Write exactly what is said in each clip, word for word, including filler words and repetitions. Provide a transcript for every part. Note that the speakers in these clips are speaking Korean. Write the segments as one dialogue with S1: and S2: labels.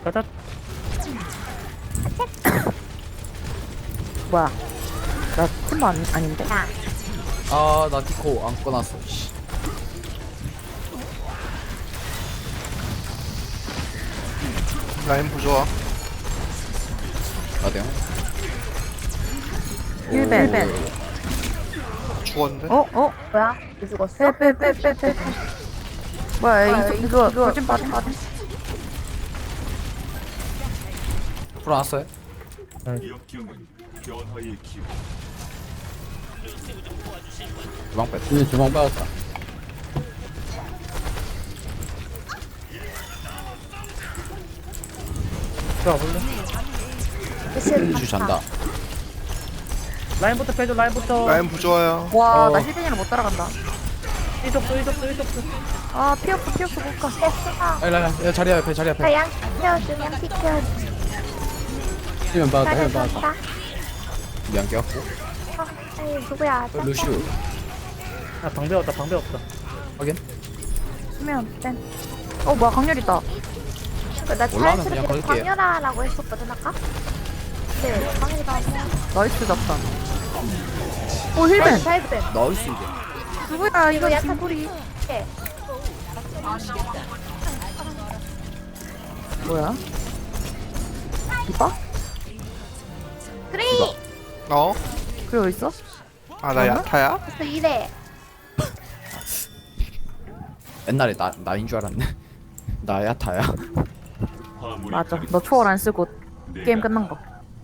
S1: 가자.
S2: 뭐야? 나 팀 안, 아닌데?
S3: 아, 나 디코 안 꺼놨어. 씨.
S4: 라인 부좋아.
S3: 나대요.
S2: 힐벤, 힐벤.
S4: 죽었는데?
S2: 어? 어?
S5: 뭐야? 왜 죽었어?
S2: 빼, 빼, 빼, 빼, 빼. 뭐야, 이거, 이거, 돌진 빠진, 빠진.
S3: 풀어놨어요? 주방 뺐.
S6: 응, 주방 빠졌다.
S1: 들어가 볼래?
S3: 주 잔다.
S1: 라인부터 빼줘. 라인부터.
S4: 라인 부좋아요.
S2: 와,
S1: 어.
S2: 나 힐벤이랑 못 따라간다.
S1: 이쪽도 이쪽도 이쪽도.
S2: 아, 피어프, 피어프 못 가.
S5: 됐어.
S3: 아니, 아니, 야, 자리 앞에, 자리 앞에.
S5: 자양 키워줘, 양 키워줘.
S6: 힐면 빠졌다, 힐면
S5: 잘해줬다.
S6: 빠졌다.
S3: 미안 깨웠고.
S5: 어, 아니 누구야?
S3: 어, 루시우.
S1: 아 방배 없다. 방배 없다.
S3: 확인.
S2: 수면, 땐. 어, 뭐야, 강렬 있다.
S5: 나
S3: 올라오면 그냥
S5: 자연스럽게
S3: 걸게요.
S5: 광열아라고 했었거든 아까. 네, 광열이가 아니야.
S2: 나이스 잡다. 오, 힐벤.
S5: 자이브벤.
S3: 나이스 이제.
S2: 누구야, 이거
S5: 약간
S2: 김구리.
S5: 네.
S2: 뭐야? 디바?
S5: 트레이.
S4: 어?
S2: 그래, 어딨어?
S4: 아, 나 야타야?
S5: 그래서 이래.
S3: 옛날에 나 나인 줄 알았네. 나야 타야.
S2: 맞아. 너 초월 안 쓰고 게임 끝난 거.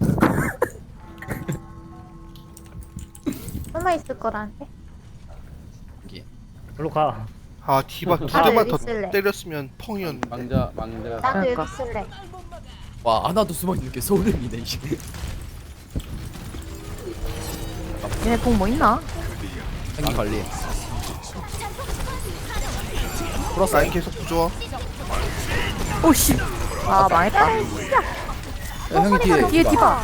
S5: 얼마 있을 거라는데?
S3: 여기.
S1: 일로 가.
S4: 아, 디바 두
S5: 아,
S4: 대만
S5: 여기
S4: 더
S5: 있을래.
S4: 때렸으면 펑이었는데.
S6: 망자, 망자.
S5: 나도
S2: 그러니까.
S5: 여기 쓸래.
S3: 와, 하나도 숨어 있는 게 소름이네 이제.
S2: 얘네 공 뭐 있나?
S3: 생기 관리. 풀었어.
S4: 라인 계속 부좋아.
S2: 오, 씨. 아, 망했다.
S3: 야, 형이 뒤에.
S2: 뒤에 디바.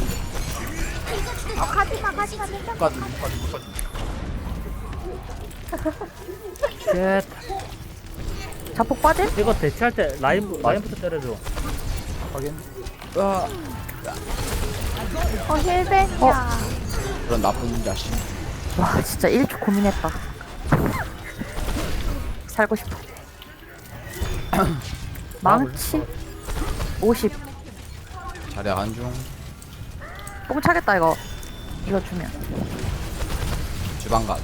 S5: 어, 가지마, 가지마, 괜찮아.
S3: 못 가지, 못 가지, 못 가지.
S1: 쉣.
S2: 자폭 빠진?
S1: 이거 대치할 때 라인 라인부터 때려줘.
S3: 확인. 아,
S5: 어, 힐벤이야.
S3: 그런 나쁜 자식.
S2: 와, 진짜 일 초 고민했다. 살고 싶어. 망치? 오십.
S3: 자리 안 중.
S2: 뽕 차겠다, 이거. 이거 주면.
S3: 주방 가.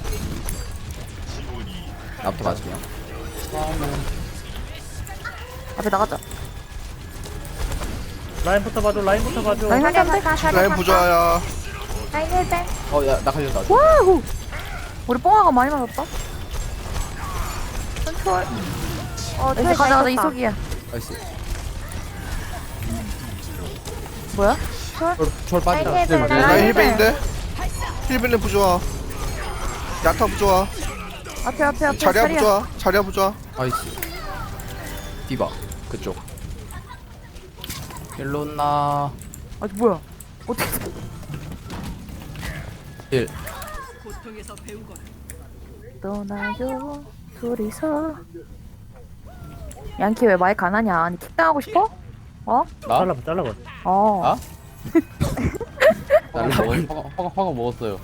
S3: 나부터 맞을게요.
S2: 앞에 나가자.
S1: 라인부터 봐줘. 라인부터 봐줘.
S2: 라인
S5: 자리
S2: 한잔데?
S5: 갔다, 자리
S4: 라인
S5: 갔다.
S4: 부좋아야.
S5: 라인 힐벤.
S3: 어, 야, 나 걸렸다.
S2: 와우! 우리 뽕아가 많이 맞았다. 컨트롤.
S5: 어,
S2: 이제
S5: 잘
S2: 가자, 가자,
S5: 떴다.
S2: 이속이야.
S3: 나이스.
S2: 뭐야?
S3: 철, 철 빠지다.
S5: 라인 힐벤,
S2: 라인
S4: 라인
S2: 힐벤.
S4: 힐벤인데? 힐벤은 부좋아. 야타 부좋아.
S2: 앞에, 앞에, 앞에.
S4: 자리야
S2: 자리야.
S4: 부좋아. 자리야 부좋아.
S3: 나이스. 디바. 그쪽. 일로 나.
S2: 아, 뭐야? 어떻게.
S3: 일.
S2: 떠나요, 둘이서. 양키 왜 마이크 안 하냐? 아니, 킥당하고 싶어? 어?
S3: 나?
S1: 잘라봐. 잘라봐.
S2: 어.
S3: 아?
S6: 나를 먹, 화가, 화가, 화가 먹었어요.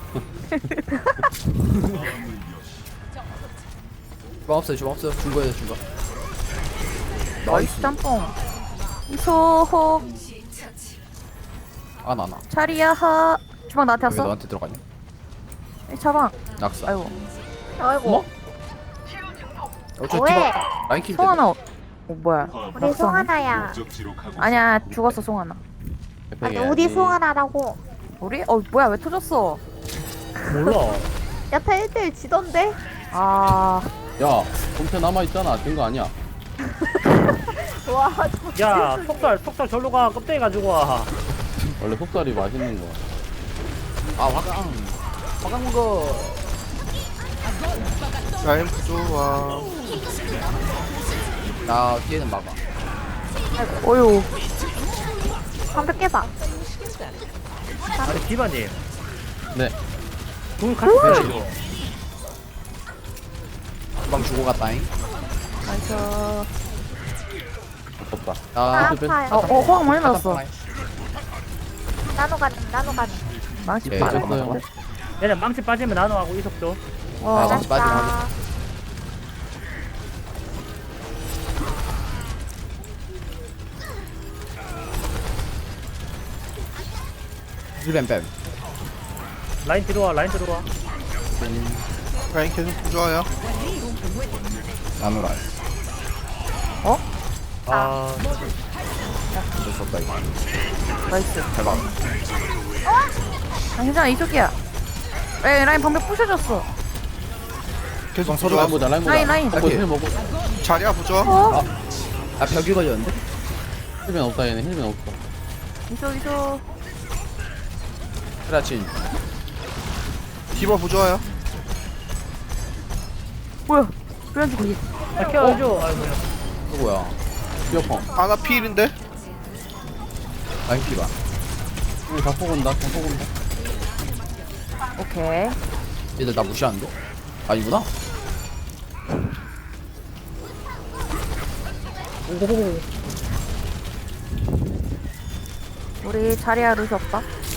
S3: 주방 없어요, 주방 없어요. 준 거예요, 준 거.
S2: 나이스 짬뽕. 이소
S3: 아, 나, 나.
S2: 자리야 하. 주방 나한테
S3: 왜
S2: 왔어?
S3: 너한테 들어가냐?
S2: 이 자방.
S3: 낙사.
S2: 아이고.
S5: 아이고.
S3: 어, 저
S5: 왜?
S3: 디바. 라인 킬 때.
S2: 송하나. 어, 뭐야?
S5: 우리
S2: 낙서네?
S5: 송하나야.
S2: 아니야, 죽었어 송하나.
S5: 아니, 우리 송하나라고.
S2: 우리? 어, 뭐야? 왜 터졌어?
S1: 몰라.
S5: 야타 일 대 일 지던데?
S2: 아,
S6: 야, 검체 남아있잖아. 된 거 아니야.
S5: 와,
S1: 야 속살 속살 절로 가. 껍데기 가지고 와.
S6: 원래 속살이 맛있는 거.
S3: 아, 화강. 화강 거.
S4: 라인 부좋아.
S3: 나 뒤에는 막아.
S2: 어유.
S5: 방벽 깨봐.
S1: 아니 디바님.
S6: 네.
S1: 돈 같이 빼야죠.
S3: 주방 주고 갔다잉.
S2: 나이스.
S6: 없다.
S2: 어,
S3: 아,
S5: 아파요.
S2: 어, 호황 많이 났어.
S5: 나노 가는, 나노 가는.
S2: 망치
S3: 예,
S2: 빠져.
S6: 됐어요.
S1: 얘네 망치 빠지면 나노하고 이속도.
S3: 아,
S2: 어,
S3: 망치 빠지면
S5: 알았어.
S3: 힐뱀 뱀.
S1: 라인 들어와, 라인 들어와.
S4: 라인 계속 부조화야.
S3: 나노라.
S1: 아,
S3: 어쩔 수 없다 이거.
S2: 나이스.
S3: 대박.
S2: 아, 괜찮아, 이쪽이야. 에이, 라인 방벽 부셔졌어.
S4: 계속
S3: 서로
S4: 부조화.
S6: 라인 보자, 라인 보자.
S2: 라인, 라인.
S6: 먹고, 힐 먹고.
S4: 자리야 부조화.
S2: 어?
S3: 아 벽이 걸렸는데?
S6: 힐벤 없다, 얘네. 힐벤 없어.
S2: 이쪽, 이쪽.
S3: 그렇지.
S4: 디바 부조화야.
S2: 뭐야? 그래가지고 거기.
S1: 아, 케어해줘. 아이고.
S3: 누구야?
S6: 뛰어펑.
S4: 아나 필인데.
S3: 라인 피봐.
S6: 힐 자폭 온다, 자폭 온다.
S2: 오케이.
S3: 얘들 나 무시하는데? 아니구나?
S2: 우리 자리야 루시 없다.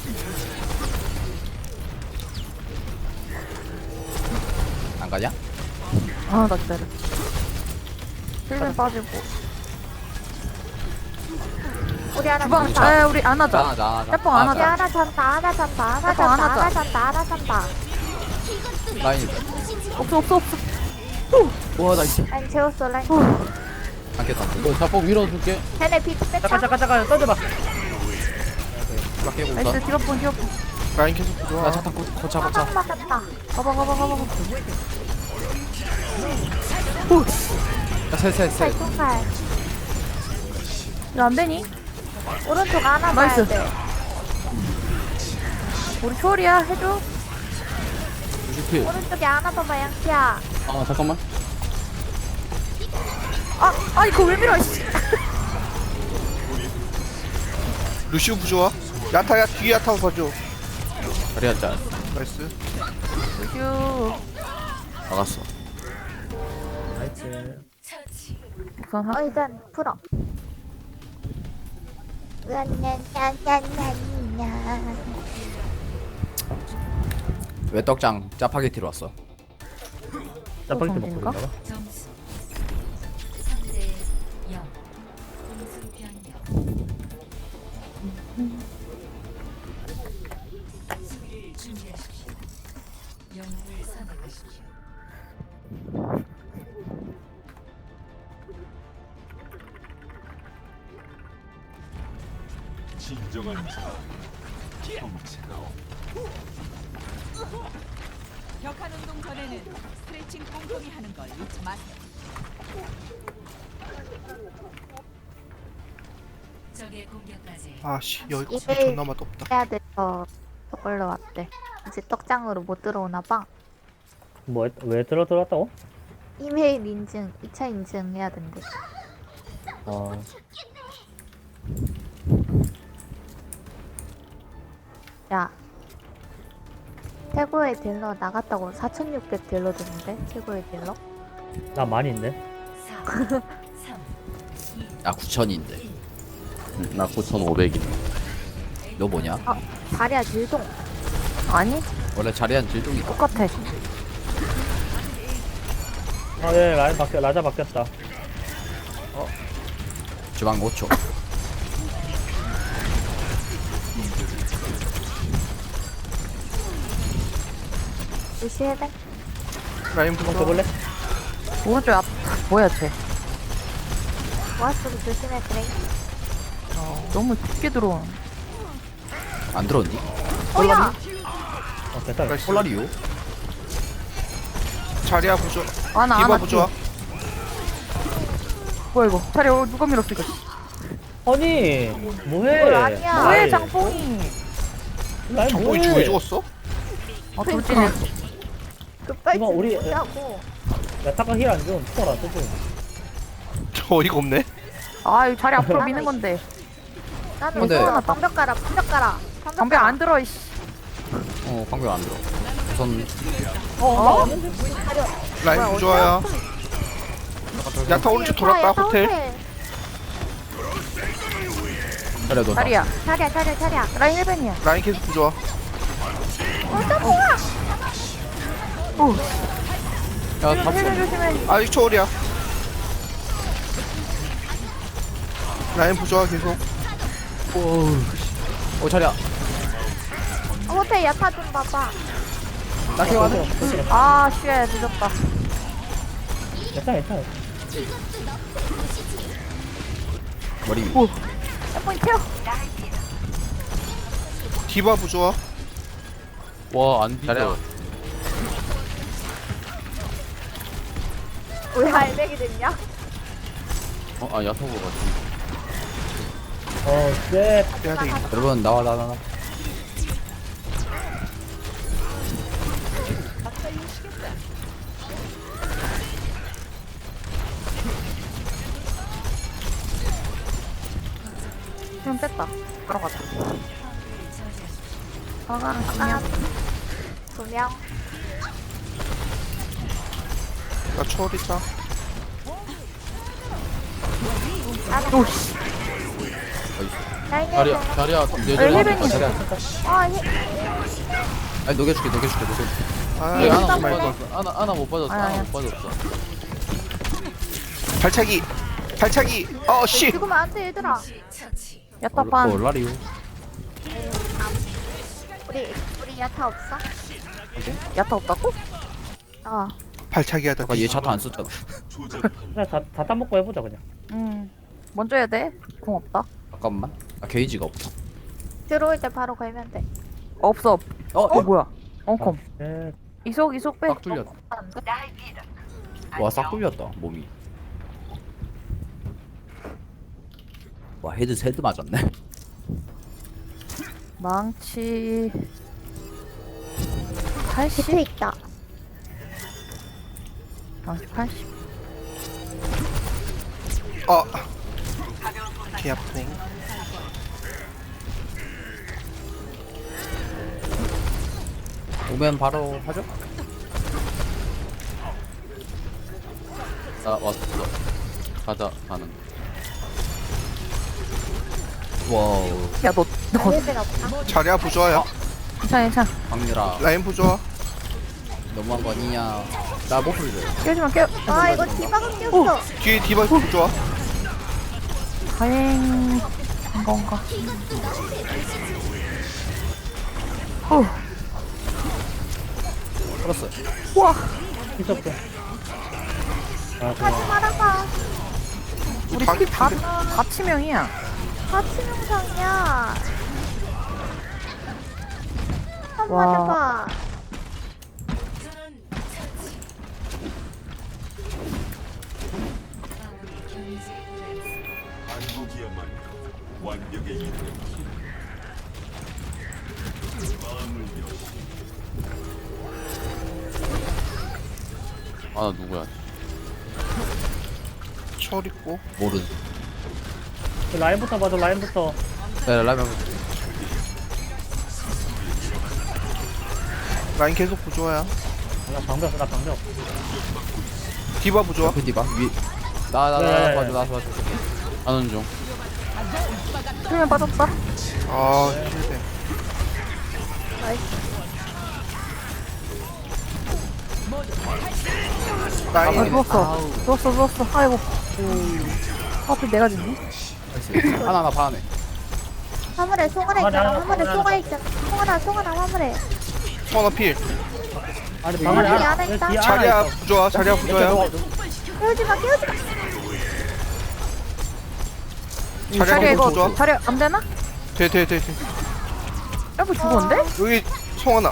S3: 안 가냐?
S2: 아, 나 기다려. 힐벤 빠지고.
S5: 우리 하나
S2: 주방,
S5: 잔다.
S2: 아, 우리 안 하자.
S3: 나, 나, 나.
S2: 해뽕 안
S5: 우리
S2: 하자.
S5: 하나 잔다, 하나 잔다, 하나
S2: 해봐, 안
S5: 잔다,
S2: 하자.
S5: 하나 잔다, 하나 잔다.
S3: 라인.
S2: 없어, 없어, 없어.
S3: 우와 나이스.
S5: 라인 재웠어, 라인.
S3: 안겠다.
S6: 이거 자폭 밀어줄게.
S5: 쟤네 비트 뺐다.
S1: 잠깐, 잠깐, 잠깐, 던져봐.
S3: 막 깨고
S2: 나이스,
S3: 있어.
S2: 디바폰, 디바폰.
S4: 라인 계속 부조화.
S3: 나차 타고 고차 고차.
S5: 사방 맞았다.
S2: 가봐, 가봐, 가봐, 가봐.
S3: 셋셋 셋.
S5: 팔뚝팔.
S2: 이거 안 되니?
S5: 오른쪽 하나 봐야
S2: 나이스.
S5: 돼.
S2: 우리 초월이야, 해줘.
S6: 루시필.
S5: 오른쪽에 하나 더 봐, 양키야.
S6: 아, 잠깐만.
S2: 아, 아, 이거 왜 밀어, 씨.
S4: 루시우 부조화. 야타야 뒤에 야타 봐줘.
S3: 자리 한잔.
S4: 나이스.
S2: 휴.
S3: 막았어.
S1: 나이스.
S2: 우선 하.
S5: 어, 일단 풀어. 으안냐냐냐냐냐.
S3: 왜 떡장 짜파게티로 왔어?
S1: 짜파게티 먹고
S2: 정신인가?
S1: 있나 봐.
S7: 점수 삼 대 영. 공수 변경. 수비를 준비하십시오. 영웅을 선택하십시오.
S8: 격한 운동 전에는 스트레칭 꼼꼼히 하는 걸 잊지 마세요.
S7: 적의 공격까지
S4: 아씨 여기
S5: 이게-
S4: 존나 맛없다.
S5: 해야 돼서 저걸로 왔대. 이제 떡장으로 못 들어오나 봐.
S1: 뭐, 했- 왜 들어 들어왔다고?
S5: 이메일 인증, 이 차 인증 해야 된대.
S1: 어.
S5: 야. 최고의 딜러 나갔다고 사천육백 딜러 줬는데? 최고의 딜러?
S1: 나 많이인데.
S7: 사, 삼,
S3: 나 구천인데.
S6: 응, 나 구천오백이다.
S3: 너 뭐냐?
S5: 아, 자리야 딜동.
S2: 아니,
S3: 원래 자리한 질동이
S2: 똑같아.
S1: 아, 예, 라인 바뀌어, 라자 바뀌었다.
S3: 주방 오 초.
S5: 무시해야 돼?
S4: 라인 부조화.
S1: 먹어볼래?
S2: 오른쪽 앞, 뭐야, 쟤.
S5: 모아스도 조심해, 그래.
S2: 어, 너무 깊게 들어오는.
S3: 안 들어온디?
S5: 어야!
S1: 어, 됐다.
S4: 나이스.
S3: 폴라리오?
S4: 자리야 부조화.
S2: 아, 나, 안
S4: 디바
S2: 왔지.
S4: 부조화.
S2: 뭐야, 이거. 자리, 어, 누가 밀었어, 이거.
S1: 아니, 뭐해?
S5: 이걸 아니야.
S2: 뭐해,
S1: 라인.
S2: 장뽕이.
S1: 라인
S4: 정보이
S1: 뭐해?
S4: 죽어 죽었어?
S2: 아, 돌진해.
S5: 급발진
S1: 이거 우리-
S5: 하고.
S1: 야, 타카 힐안 줘. 투어라, 투어.
S4: 저 어이가 없네.
S2: 아, 이 자리 앞으로 미는 건데.
S5: 나는
S3: 근데-
S5: 이거 방벽 깔아, 방벽 깔아. 방벽
S2: 방벽
S5: 깔아.
S2: 안 들어, 이씨.
S3: 어 방금 안 들어. 우선
S2: 어?
S4: 라인 부조화야. 야타 오른쪽 돌았다
S5: 야타
S4: 호텔.
S3: 그래 너
S2: 자리야.
S5: 차려 차려 차려.
S2: 라인 일 벤이야.
S4: 라인 계속 부조화.
S3: 야다
S2: 힐벤 조심해.
S4: 아직 초월이야. 라인 부조화 계속.
S3: 오 자리야
S5: 호텔 야타 좀 봐봐.
S3: 나 케어하네
S2: 아, 쉣, 늦었다.
S1: 괜찮아 괜찮아.
S3: 머리 위
S2: 한번 태워.
S4: 디바 부조화.
S6: 와안
S3: 자리야
S6: 뒤져.
S5: 왜 알백이 됐냐?
S6: 어아 야타고 같이.
S1: 어 쎄.
S4: 빼야 되겠다.
S3: 여러분 나와 나와 나와
S2: 좀 뺐다. 들어가자.
S5: 아가 아가. 두 명.
S4: 나 초월 있다.
S6: 자리야 자리야
S2: 여기
S6: 내절.
S2: 힐벤이.
S3: 자리야
S5: 아 히.
S3: 아니 녹여줄게 녹여줄게 녹여줄게
S4: 아,
S6: 네, 하나 못
S5: 잠깐만.
S6: 빠졌어. 하나 하나 못 빠졌어.
S2: 아니,
S6: 하나
S2: 아니.
S6: 못 빠졌어.
S4: 발차기. 발차기. 어 씨.
S5: 죽으면 안돼 얘들아.
S7: 처치.
S2: 야타판.
S3: 얼라리오
S5: 우리 우리 야타 없어?
S2: 야타 없다고?
S5: 어.
S4: 발차기 하다.
S3: 아까 얘 차도 안 썼잖아
S1: 그냥 다다 따먹고 해보자 그냥.
S2: 응. 먼저 해야 돼. 공 없다.
S3: 잠깐만 아 게이지가 없어
S5: 들어올 때 바로 걸면 돼.
S2: 없어. 없.
S3: 어?
S2: 어, 뭐야? 엉컴.
S1: 예.
S2: 이속, 이속 빼.
S3: 싹 뚫렸다 와싹 뚫렸다 몸이 와 헤드 세드 맞았네
S2: 망치.
S5: 비트
S2: 팔십?
S5: 있다.
S2: 망치 팔십.
S4: 어. 개 아프네.
S3: 오면 바로 하죠?
S6: 나 왔어. 가자 가는.
S3: 와우
S2: 야, 너, 너,
S5: 얘들 없다.
S4: 자리야 부조화야.
S2: 괜찮아, 괜찮아.
S3: 강렬아
S4: 라인 부조화.
S3: 너무한 거 아니냐 나 목소리 줘요
S2: 깨우지 마, 깨우.
S5: 아 이거 디바가 꼈어.
S4: 뒤에 디바 부조화.
S2: 다행. 건가. 후.
S3: 풀었어
S2: 우와.
S1: 있었어. 아 좋아.
S5: 하지 말아봐.
S2: 우리
S4: 다-
S2: 피 다, 다 치명이야.
S5: 같이 명상이야. 한 번
S2: 와.
S5: 해봐.
S6: 아 나 누구야?
S4: 초월 있고.
S3: 모르는
S1: 그 라인부터 봐줘 라인부터.
S3: 야 라면
S4: 라인 계속 부조화야.
S1: 나 방벽 나 방벽.
S4: 디바 부조화.
S3: 그 디바 위나나나
S1: 네.
S3: 봐줘 나 봐줘
S6: 하는 중.
S2: 수면 빠졌다.
S4: 아 힐벤.
S2: 아,
S4: 라인.
S2: 누웠어. 누웠어, 누웠어. 아이고. 하필 내가 죽니?
S3: 나이스 하나 하나 반 안에
S5: 화물에 송아라
S1: 아,
S5: 있잖아.
S1: 나-
S5: 화물에
S1: 나-
S5: 송아 있잖아. 송아라 송아라 화물에.
S4: 소나 필.
S1: 아니
S5: 방 안에 하나 있다.
S4: 자리야 부조화. 자리야 부조화야.
S5: 깨우지 마 깨우지 마.
S4: 자리야
S2: 자리야,
S4: 계속
S2: 이거.
S4: 부조화.
S2: 자리야, 안 되나?
S4: 돼돼돼 돼.
S2: 여보 죽었는데?
S4: 여기 송하나.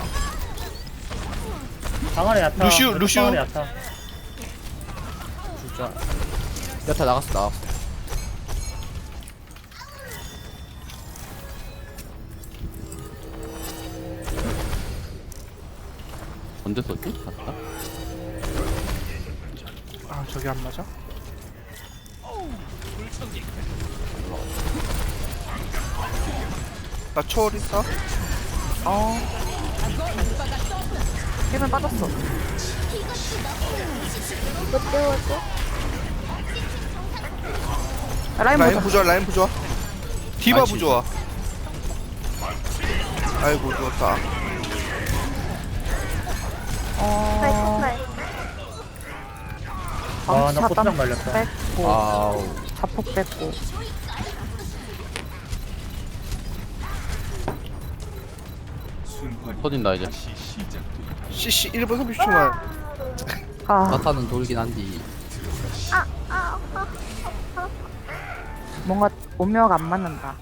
S1: 방 안에 야타.
S4: 루시우,
S1: 왼쪽
S4: 루시우.
S1: 방 안에 야타.
S3: 진짜 여타 나갔어 나갔어
S6: 언제 썼지? 갔다.
S4: 아 저기 안 맞아? 나 초월 있어?
S2: 어. 힐벤 빠졌어.
S5: 못 깨워줘.
S2: 라인
S4: 라인
S2: 보자.
S4: 부조화 라인 부조화. 디바
S3: 아이치.
S4: 부조화. 아이고 누웠다.
S2: 어
S1: 아,
S2: 방치
S1: 나
S2: 차단
S1: 꽃장 말렸다.
S2: 뺐고
S3: 아우.
S2: 자폭 뺐고
S6: 터진다 이제.
S4: 씨씨 일 분 삼십 초만.
S2: 아
S3: 나타는 돌긴 한디.
S2: 뭔가 오묘가 안 맞는다.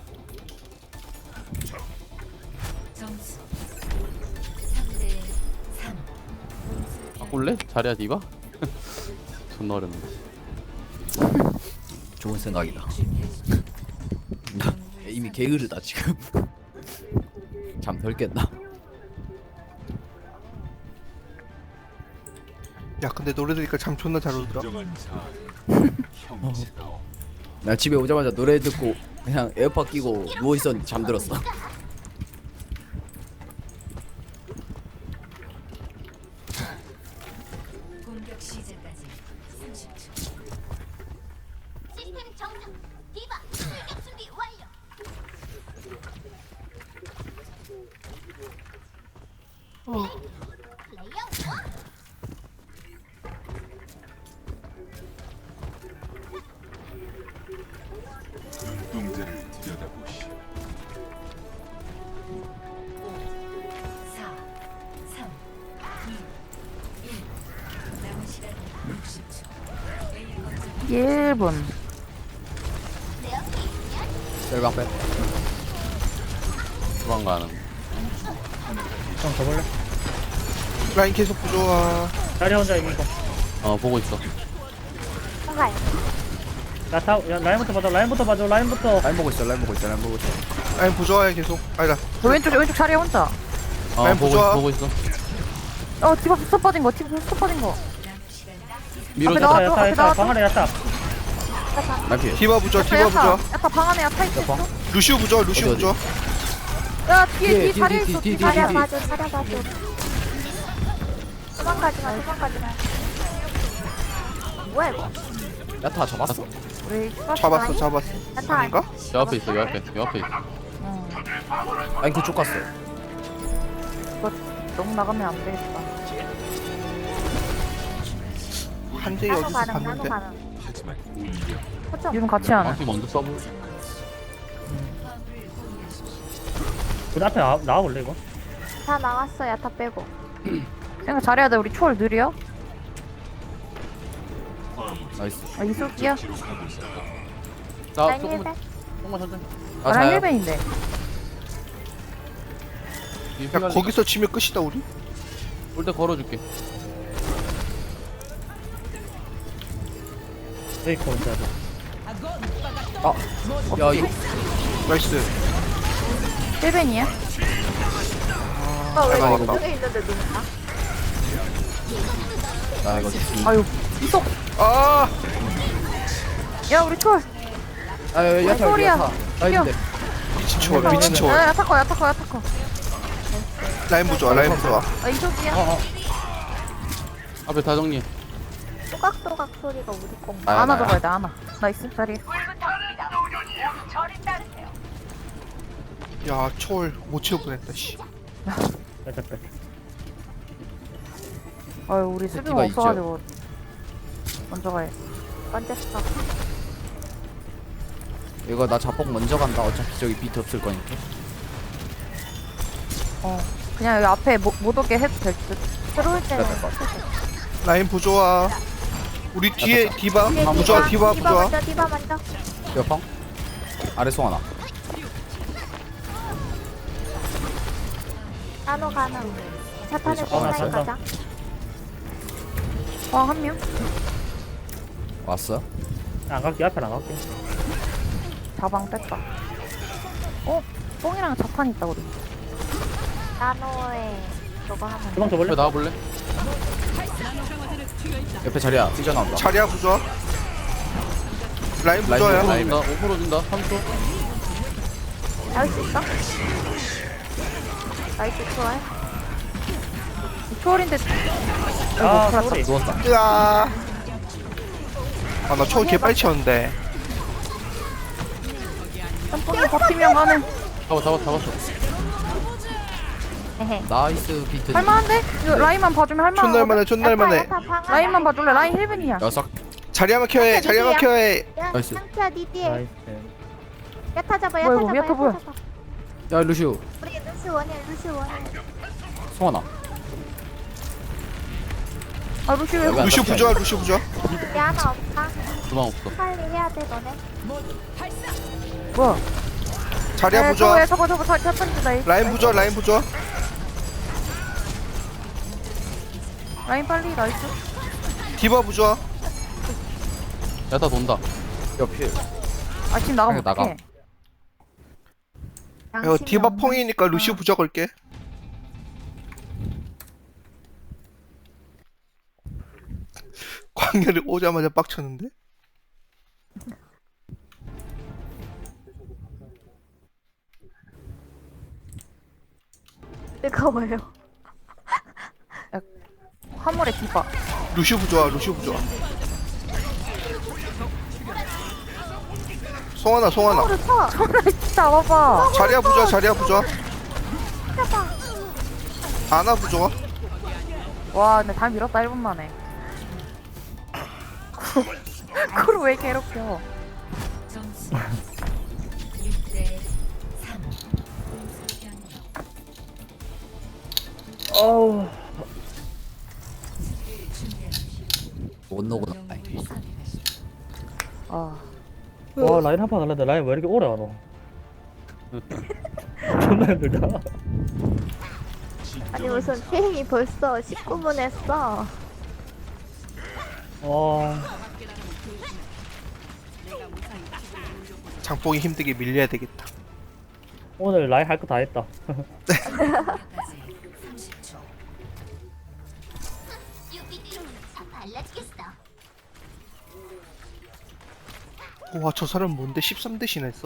S7: 점수 삼 대 삼.
S6: 바꿀래? 자리야 디바? 존나 어렵네.
S3: 좋은 생각이다. 나 이미 게으르다 지금. 잠 덜 깼나?
S4: 야 근데 노래 들으니까 잠 존나 잘 오더라.
S3: 나 집에 오자마자 노래 듣고 그냥 에어팟 끼고 누워 있었는데 잠들었어.
S7: 공격 시작까지 삼십 초.
S9: 시스템 정상. 디바 출격 준비 완료. 플레이어 원.
S7: 사, 삼, 이, 일. 남은 시간 육십 초. A 거점
S2: 일 분
S3: 셀방 빼.
S6: 주방 가능.
S1: 형 저볼래?
S4: 라인 계속 부조화.
S1: 자리 혼자 이기고.
S6: 어 보고 있어.
S5: 총괄.
S1: 야타, 야 라인부터 봐줘. 라인부터 봐줘. 라인부터.
S3: 라인 보고 있어. 라인 보고 있어. 라인 보고 있어.
S4: 라인 부조화야 계속. 아니다.
S2: 저 왼쪽 왼쪽 자리에 혼자.
S6: 어
S4: 라인
S6: 보고
S4: 부조화.
S6: 있어 보고 있어.
S2: 어 디바 스톱 빠진 거 디바 스톱 빠진 거.
S6: 밀어.
S2: 앞에
S1: 야타,
S2: 나와.
S1: 야타,
S2: 앞에
S1: 야타.
S2: 나와줘.
S1: 방 안에 야타.
S3: 라인 피해.
S4: 디바 부조화. 디바
S2: 야타
S4: 부조화.
S2: 야타 방 안에 야타 있어.
S3: 방.
S4: 루시우 부조화. 루시우
S3: 어디,
S4: 부조화.
S2: 야 뒤에
S3: 뒤에,
S2: 뒤에
S3: 뒤에,
S2: 자리에
S3: 뒤에,
S2: 있어.
S3: 뒤에,
S2: 뒤에 자리에
S3: 뒤에,
S2: 맞아.
S5: 차려 봐줘. 도망가지 마. 도망가지 마. 뭐야 이거?
S3: 야타 잡았어.
S2: 우리 슈퍼
S4: 잡았어 잡았어.
S5: 야타
S4: 아닌가?
S6: 여 앞에 있어 여 앞에 여 앞에 있어.
S3: 라인 그쪽 갔어.
S2: 이거 너무 나가면 안 되겠다.
S4: 한 대에
S5: 나노
S4: 어디서
S5: 가능. 나노
S4: 봤는데?
S5: 가능. 거점.
S2: 이분 같이 하네.
S6: 방피 먼저 써보.
S1: 우리 앞에 나, 나와볼래 이거?
S5: 다 나왔어. 야타 빼고.
S2: 생각 잘해야 돼. 우리 초월 느려.
S3: 나이스.
S2: 아 이속이야.
S6: 나
S5: 라인
S6: 조금만
S5: 힐백.
S6: 조금만 천천히.
S3: 아
S2: 아,
S3: 자야.
S2: 힐벤인데.
S4: 야 거기서 지면 끝이다 우리.
S6: 올때 걸어줄게.
S1: 페이커 혼자 하자.
S3: 야 이거
S4: 나이스.
S2: 힐벤이야?
S5: 오빠 왜
S4: 잘
S5: 이거
S4: 나왔다.
S5: 속에 있는데 누구야?
S3: 나 이거 좀-
S2: 아유 이속.
S4: 아
S2: 야 우리 초월.
S3: 아 야타 여기
S2: 소리야.
S3: 야타. 라인인데.
S4: 미친 초월 미친
S2: 야
S4: 초월.
S2: 야타 거 야타 거 야타 거.
S4: 라인 부조화. 라인 부조화.
S2: 아 이속이야.
S3: 어어.
S6: 앞에 다 정리해.
S5: 또각또각 소리가 우리 거.
S3: 나야,
S2: 안아
S3: 나야.
S2: 들어야 돼 안아. 나이스 자리.
S4: 야 초월 못 채울 뻔했다 씨.
S1: 야타 빼.
S2: 아유 우리 수비가
S3: 세티가 있죠.
S2: 없어가지고 먼저 가야.
S5: 언제 써?
S3: 이거 나 자폭 먼저 간다. 어차피 저기 비트 없을 거니까.
S2: 어 그냥 여기 앞에 못, 못 오게 해도 될 듯.
S5: 들어올 때는.
S3: 그래, 될것 같아.
S4: 라인 부조화. 우리 뒤에 디바
S5: 뒤에
S4: 부조화. 디바
S5: 디바
S4: 부조화.
S5: 먼저. 디바 먼저.
S3: 옆방. 아래 송 하나.
S5: 나노 가능. 차탄에
S3: 그래서 하나
S5: online
S1: 쏜다.
S5: 가자.
S2: 어한 명.
S3: 왔어?
S1: 안 갈게. 앞에 안 갈게.
S2: 자방 뺐다. 어 뽕이랑 자판 있다 우리.
S5: 나노에 저거 하면.
S1: 주방
S6: 앞에
S1: 줘볼래?
S6: 나와볼래?
S3: 옆에 자리야. 뛰어나온다.
S4: 자리야 부조화. 라인
S3: 라인
S4: 부조화야.
S3: 부조화.
S6: 준다. 오 퍼센트 준다. 삼 초.
S5: 나올 수 있어? 나이스 좋아요.
S2: 초월인데.
S1: 아,
S2: 아이고
S1: 소리.
S3: 누웠다.
S4: 으아. 아나 초월 개 빨리 채웠는데.
S2: 짬뽕이 버티면 가는.
S6: 잡아 잡아 잡았어.
S5: 에헤.
S3: 나이스 비트.
S2: 할만한데? 이거 라인만 봐주면 할만한.
S4: 촌날만해 촌날만해.
S5: 야타, 야타, 방아.
S2: 라인만 봐줄래? 라인 힐벤이야.
S3: 야삭.
S4: 자리야만 켜해 자리야만 켜해.
S5: 야,
S3: 나이스.
S5: 상태야 니 뒤에.
S1: 나이스.
S5: 야타 잡아,
S2: 뭐야,
S5: 야타
S2: 이거,
S5: 잡아,
S2: 야타 뭐야?
S5: 잡아.
S3: 야 루시오.
S5: 우리 루시 원해, 루시 원해.
S3: 송하나.
S2: 아 루시 왜?
S3: 여기 안
S4: 루시오
S3: 잡혀.
S4: 부조화 루시오 부조화.
S5: 야 하나 없다.
S6: 주방 없어.
S5: 빨리 해야 돼 너네.
S2: 뭐야?
S4: 자리야
S2: 에,
S4: 부조화.
S2: 저거 저거 저거 저 천지다.
S4: 라인 부조화 라인 부조화.
S2: 라인 빨리 나이스.
S4: 디바 부조화.
S6: 야다 돈다.
S3: 옆에.
S2: 아 지금 나가면
S3: 그냥 나가.
S2: 어떡해?
S4: 이거 디바 펑이니까 루시오 부조화 걸게. 광열이 오자마자 빡쳤는데?
S5: 뜨거워요.
S2: 화물에 디바.
S4: 루시오 부조화 루시오 부조화. 송하나 송하나.
S5: 서로 쳐.
S2: 손을 진짜 와봐.
S4: 자리야 부조화 자리야 부조화.
S5: 잡아.
S4: 아나 부조화.
S2: 와 근데 다 밀었다 일 분 만에. 그걸 왜 괴롭혀?
S7: 점수 육 대 삼. 공수 변경.
S1: 어우.
S3: 못 녹아.
S7: 영웅을 선택하십시오.
S2: 아
S1: 와 라인 한 판 날렸는데 라인 왜 이렇게 오래 안 와? 존나 힘들다.
S5: 아니 무슨 게임이 벌써 십구 분 했어.
S1: 와.
S4: 장뽕이 힘들게 밀려야 되겠다.
S1: 오늘 라인 할 거 다 했다.
S7: 까지 삼십 초.
S9: 유비들은 다 발라주겠어.
S4: 와 저 사람 뭔데 십삼 대신 했어?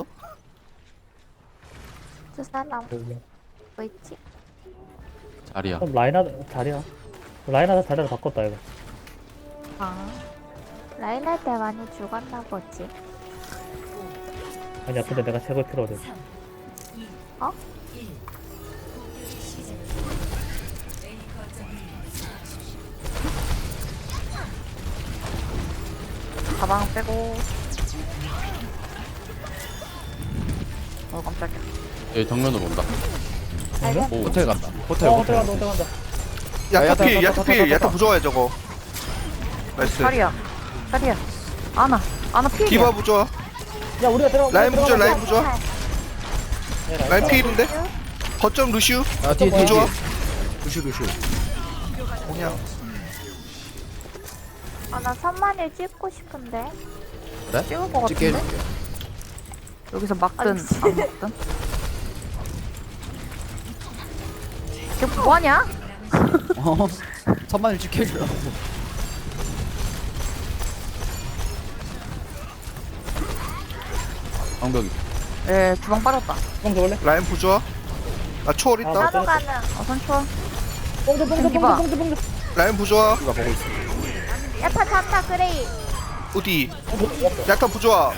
S5: 저 사람 뭐 있지?
S6: 자리야.
S1: 그럼 라인 하다 자리야. 라인 하다 자리를 바꿨다 이거.
S5: 아 라인 할 때 많이 죽었나 보지.
S1: 아니야 근데 내가 최고 필요해.
S7: 삼, 이,
S5: 어?
S7: 일. 공격이 시작. A 거점을 수비하십시오.
S2: 가방 빼고. 어 깜짝이야.
S6: 얘 정면으로 온다. 오.
S3: 호텔 간다. 호텔
S1: 어
S3: 호텔.
S1: 호텔 간다 호텔 간다.
S4: 야타
S3: 야타,
S4: 필
S3: 야타,
S4: 야타
S3: 야타,
S4: 필
S3: 야타,
S4: 야타
S3: 야타.
S4: 부조화야 저거. 나이스.
S2: 자리야. 자리야. 아나. 아나 피해.
S4: 디바 부조화.
S1: 야 우리가 들어.
S4: 라인 부조화 라인 부조화.
S1: 네,
S4: 라인 필인데? 거점 루시우.
S3: 야 뒤에 뒤에.
S4: 부조화.
S3: 루시오 루시오.
S4: 그냥
S5: 아나 삼만일 찍고 싶은데.
S3: 그래?
S2: 찍을 것
S3: 찍게
S2: 같은데?
S3: 해줄게.
S2: 여기서 막든
S5: 아니,
S2: 안 막든. 걔 뭐하냐?
S3: 어. 천만을 찍게 해주라고.
S6: 방벽이.
S2: 예 주방 빠졌다.
S1: 뽕 줘볼래?
S4: 라인 부조화. 나 초월
S1: 아,
S4: 있다.
S5: 나도 가는.
S2: 어 선추워.
S1: 뽕 줘, 뽕 줘, 뽕
S2: 디바.
S1: 줘, 뽕 줘, 뽕 줘.
S4: 라인 부조화.
S3: 누가 보고 있어.
S5: 야타 잔다 그레이.
S4: 어디? 야타 부조화.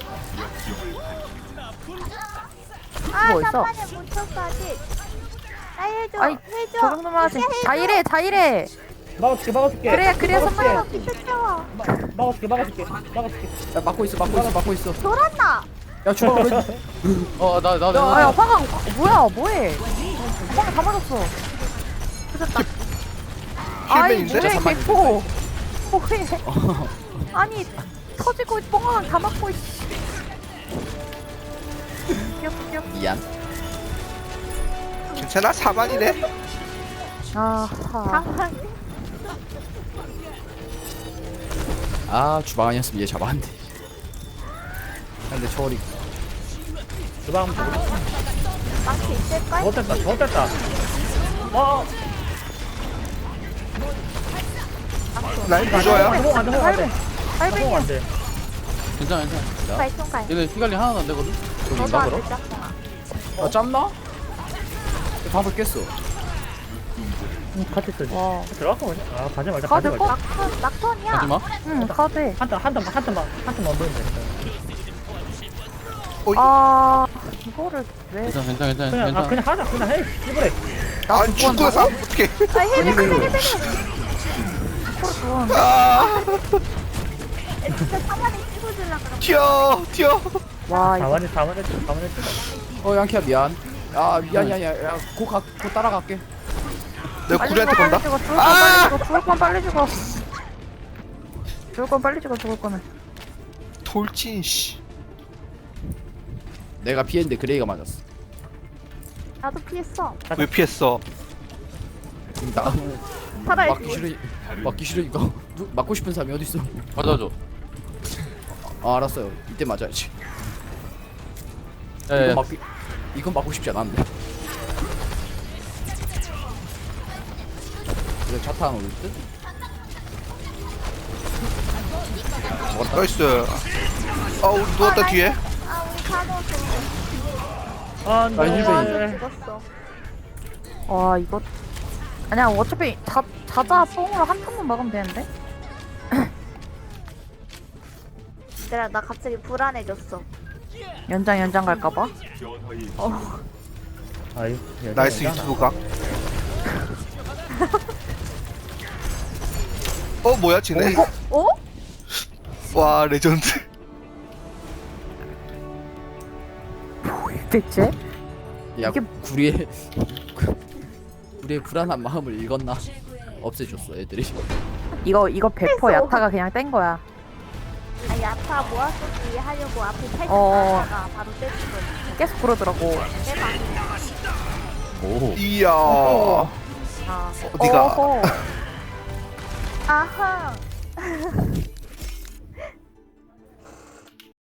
S5: 아
S2: 뭐 있어?
S5: 삼만일 못 쳤어 아직. 나 해줘.
S2: 아이,
S5: 해줘.
S2: 저 정도만 하지.
S5: 해줘.
S2: 자이래 자이래.
S1: 막아줄게 막아줄게.
S2: 그래야 그래야
S1: 막아줄게.
S2: 선만아.
S5: 어, 비트 채워.
S1: 막아줄게 막아줄게 막아줄게.
S3: 야 막고 있어 막고 있어 막고 있어.
S5: 돌았나?
S3: 야 주방 걸어.
S6: 어, 나, 나,
S2: 야,
S6: 나.
S2: 야 화강 뭐야 뭐해? 화강 다 맞았어. 그랬다. 아이
S4: 힐맨인데?
S2: 뭐해
S3: 잠깐만.
S2: 개포. 뭐해? 아니 터지고 뻥황 다 맞고. 있- 귀엽 귀엽.
S3: 미안.
S4: 괜찮아? 사만이네?
S2: 아하.
S5: 상만.
S3: 아 주방 아니었으면 얘 잡았는데. 근데 초월이.
S1: 주방 한번 보고.
S5: 망치 있을걸?
S1: 좋됐다 좋됐다. 어.
S4: 라인 부조화야?
S1: 안돼 안돼 안돼.
S2: 빨뱅이야.
S1: 안돼.
S6: 괜찮아, 괜찮아.
S5: 발송갈.
S6: 얘네 피관리 하나도 안 되거든?
S1: 저기
S5: 너도
S1: 있나
S5: 안
S1: 그럼?
S5: 됐잖아.
S3: 아 짬나? 방금 깼어.
S1: 응, 같이 쓰지.
S2: 와.
S1: 들어갈까 뭐지? 아 가지 말자 가지
S2: 가드
S1: 말자.
S2: 꼭.
S5: 막턴 막턴이야.
S6: 하지 마.
S2: 응 가드.
S1: 한탄 한탄 한탄만 한탄만 보면 돼.
S2: 아 이거를 왜?
S6: 괜찮아 괜찮아 괜찮아
S1: 그냥 아
S6: 괜찮아.
S1: 그냥 하자 그냥 해 씨부래.
S4: 아니 축구에서 하면 어떡해.
S5: 아 힐, 힐, 힐, 힐.
S2: 그걸
S4: 아
S5: 진짜 사만이 찍어주려 그런
S4: 튀어 튀어.
S2: 와 이거
S1: 사만이 사만이 사만이
S3: 어 양키야 미안. 아 미안이야 야야곧 곧 따라갈게.
S4: 내가
S2: 빨리
S4: 구리한테
S2: 죽어,
S4: 건다.
S2: 빨리 죽어, 죽을 건 빨리 죽어, 죽을 건 빨리 죽어. 죽을 건 빨리 죽어, 죽을 거는.
S4: 돌진 씨.
S3: 내가 피했는데 그레이가 맞았어.
S5: 나도 피했어.
S4: 왜 피했어?
S3: 나
S5: 살아야지.
S3: 맞기 싫으 맞기 싫으니까 누, 맞고 싶은 사람이 어디 있어?
S6: 맞아줘.
S3: 아 알았어요. 이때 맞아야지.
S6: 예.
S3: 이건 맞기 이건 맞고 싶지 않았는데. 그래 차탄 올 듯?
S4: 나이스. 아 우리 누웠다 뒤에.
S5: 아 우리 다 넣었어.
S1: 아
S3: 아, 힐베이.
S1: 네.
S5: 죽었어.
S2: 와 이거 아니야 어차피 자 자자 뽕으로 한 턴만 막으면 되는데.
S5: 얘들아 나 갑자기 불안해졌어.
S2: 연장 연장 갈까봐.
S1: 아이
S4: 나이스 유튜브 각. 어 뭐야 쟤네?
S5: 어?
S4: 와 레전드.
S2: 대체?
S3: 야
S2: 이게-
S3: 구리의 구리의 불안한 마음을 읽었나? 없애줬어 애들이.
S2: 이거 이거 백 퍼센트 야타가 그냥 뗀 거야.
S5: 아 야타 모아쓰기 하려고 앞에 탈출
S2: 어.
S5: 하다가 바로 떼준 거지.
S2: 계속 그러더라고.
S5: 대박.
S6: 오.
S4: 이야.
S2: 어.
S5: 아.
S4: 어디가?
S2: 어허.
S5: 아하.